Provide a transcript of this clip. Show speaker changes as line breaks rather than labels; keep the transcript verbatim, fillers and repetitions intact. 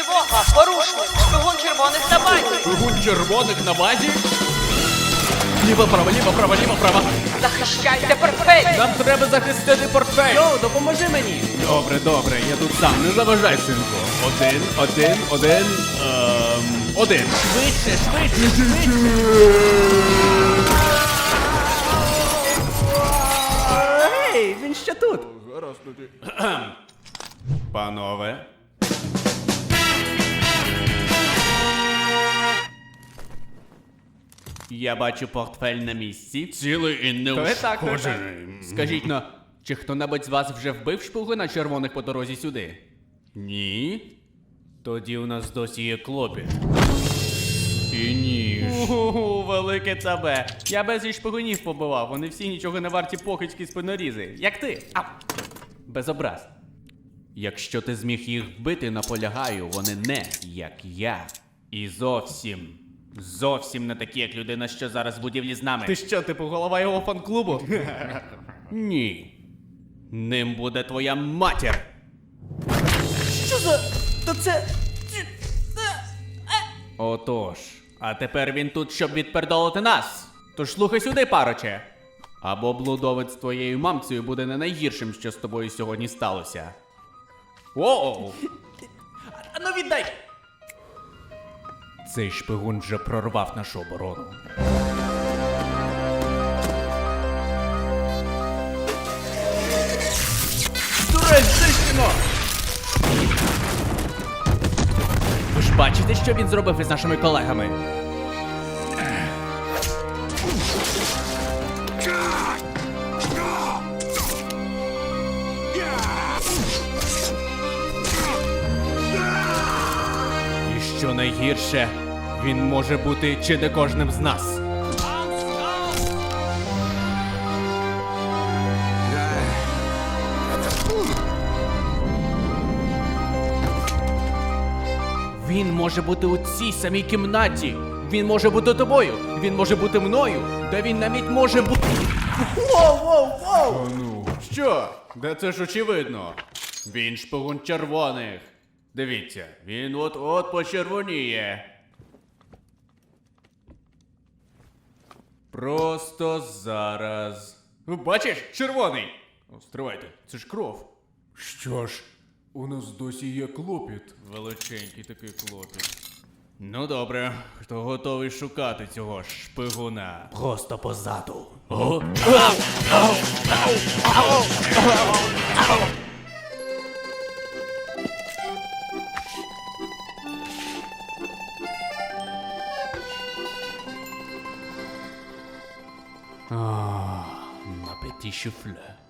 Тривога! Порушник! Шпигун червоних на базі!
Шпигун червоних на базі? Ліво, право, ліво, право, ліво, право.
Захищайте портфель!
Нам треба захистити портфель.
Йоу, допоможи мені!
Добре, добре, я тут сам, не заважай, синку. Один, один, один, ем, один.
Швидше, швидше, швидше! Гей, він ще тут!
Зараз тоді. Панове.
Я бачу портфель на місці.
Цілий і
То є так, то є
неушкоджений.
Скажіть но, чи хто-небудь з вас вже вбив шпигуна червоних по дорозі сюди?
Ні.
Тоді у нас досі є клопіт.
І ніж.
Ууу, велике цабе. Я безліч шпигунів побивав, вони всі нічого не варті покидьки спинорізи. Як ти? Ау! Без образ. Якщо ти зміг їх вбити, наполягаю, вони не як я. І зовсім, зовсім не такі, як людина, що зараз в будівлі з нами. Ти що, типу голова його фан-клубу?
Ні. Ним буде твоя матір.
Що за... То це... Отож, а тепер він тут, щоб відпердолити нас. Тож слухай сюди, пароче. Або блудовець з твоєю мамцею буде не найгіршим, що з тобою сьогодні сталося. Воу! А ну віддай! Цей шпигун вже прорвав нашу оборону. Дурень, знищено! Ви ж бачите, що він зробив із нашими колегами? І що найгірше, він може бути чи не кожним з нас. Він може бути у цій самій кімнаті. Він може бути тобою. Він може бути мною. Та він навіть може бути... Воу, воу, воу!
Ну, що? Де це ж очевидно? Він шпигун червоних. Дивіться, він от-от почервоніє. Просто зараз. Бачиш, червоний. О, стривайте, це ж кров. Що ж, у нас досі є клопіт. Величенький такий клопіт. Ну добре, хто готовий шукати цього шпигуна?
Просто позаду.
О?
Ah, un petit souffle.